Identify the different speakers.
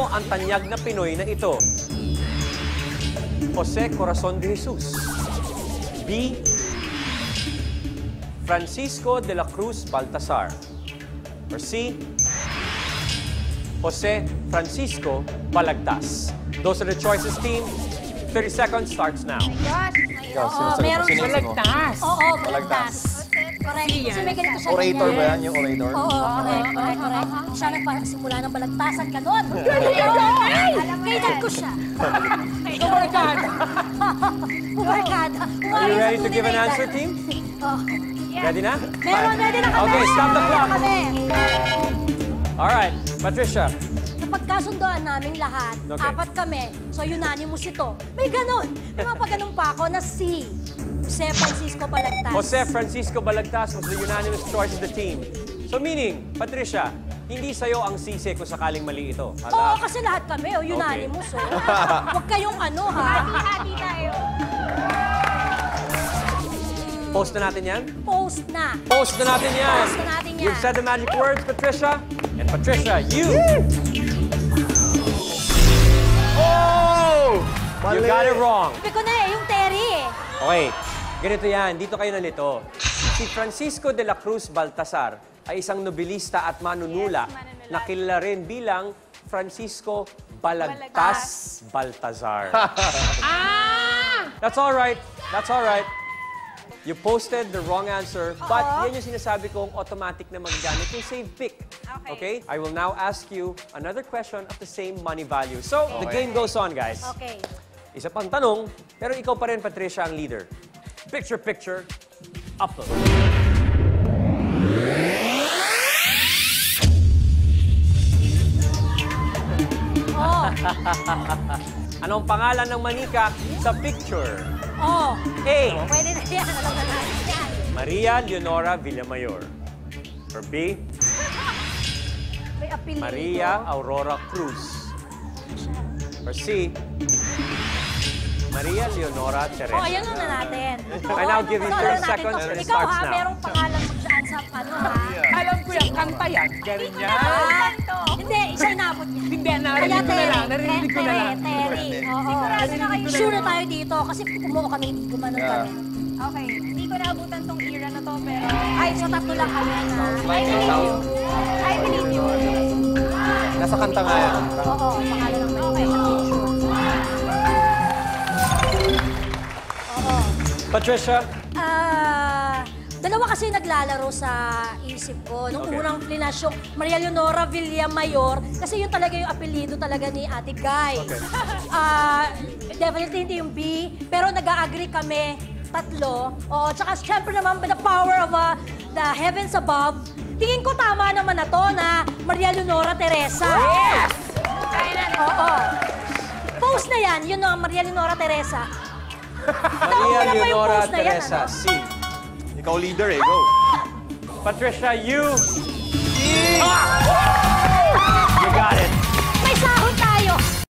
Speaker 1: Sino ang tanyag na Pinoy na ito? Jose Corazon de Jesus. B. Francisco de la Cruz Baltasar. Or C. Jose Francisco Balagtas. Those are the choices, team. 30 seconds starts now.
Speaker 2: Meron
Speaker 3: Balagtas.
Speaker 2: Oo, balagtas. Correct. Kasi may ganito siya.
Speaker 4: Orator ba yan? Yung orator?
Speaker 2: Oo, correct. Siya nagpasimula ng balagtasan ka doon. Kailan ko siya.
Speaker 3: Barkada.
Speaker 2: Barkada.
Speaker 1: Are you ready to give an answer, team? Ready na?
Speaker 2: Ready na kami.
Speaker 1: Okay, stop the clock.
Speaker 2: Ready na kami.
Speaker 1: All right, Patricia.
Speaker 2: Napagkasundoan namin lahat,
Speaker 1: Okay.
Speaker 2: 4 kami, so unanimous ito. May ganon. May mapaganon pa ako na C. Jose Francisco Balagtas.
Speaker 1: Jose Francisco Balagtas was the unanimous choice of the team. So meaning, Patricia, hindi sa'yo ang sisi kung sakaling mali ito.
Speaker 2: Oo, kasi lahat kami, unanimous. Huwag kayong ano, ha? Hati-hati tayo.
Speaker 1: Post na natin yan?
Speaker 2: Post na.
Speaker 1: Post na natin yan.
Speaker 2: Post na natin yan.
Speaker 1: You've said the magic words, Patricia. And Patricia, you...
Speaker 4: Oh!
Speaker 1: You got it wrong.
Speaker 2: Sabi ko na yung Terry
Speaker 1: Okay, ganito yan. Dito kayo nalito. Si Francisco de la Cruz Baltasar ay isang nobilista at manunula na kilala rin bilang Francisco Balagtas Baltazar. That's all right. That's all right. You posted the wrong answer, but yan yung sinasabi kong automatic na magagamit yung save pick. Okay? I will now ask you another question of the same money value. So, the game goes on, guys.
Speaker 2: Okay.
Speaker 1: Isa pang tanong, pero ikaw pa rin, Patricia, ang leader. Picture, upload. Anong pangalan ng manika sa picture? A.
Speaker 2: Pwede na yan. Alam na natin yan.
Speaker 1: Maria Leonora Villamayor. Or B.
Speaker 2: May apelido.
Speaker 1: Maria Aurora Cruz. Or C. Maria Leonora Teresa.
Speaker 2: Ayan na natin.
Speaker 1: I now give you 30 seconds and it
Speaker 2: Ikaw
Speaker 1: starts
Speaker 2: ha,
Speaker 1: now.
Speaker 2: merong pangalan mo dyan sa ano ha.
Speaker 3: Alam ko yan, kanta yan. Galing yan.
Speaker 2: Hindi, isa inabot niya.
Speaker 3: Hindi, narinig ko na lang. Narinig ko na lang.
Speaker 2: Terry. Oo. Sure na tayo dito kasi kumuha kami, gumanon kami.
Speaker 5: Okay, hindi ko naabutan tong era na to, pero...
Speaker 2: Ay, so tatlo lang kami na.
Speaker 5: I believe you. I believe you.
Speaker 4: Nasa kanta nga yan.
Speaker 2: Oo, pangalan ng may
Speaker 1: Patricia?
Speaker 2: Dalawa kasi naglalaro sa isip ko. Nung unang flash yung Maria Leonora Villamayor, kasi yun talaga yung apelido talaga ni Ate Guy. Definitely hindi yung B, pero nag-a-agree kami, tatlo. Oo, tsaka syempre naman, the power of the heavens above, tingin ko tama naman na to na Maria Leonora Teresa.
Speaker 3: Yes!
Speaker 2: Oo. Post na yan, yun ang Maria Leonora Teresa.
Speaker 1: Maria Leonora
Speaker 2: post na yan,
Speaker 1: Teresa,
Speaker 2: ano?
Speaker 1: C.
Speaker 4: Ikaw leader eh, go.
Speaker 1: Patricia, you... You got it.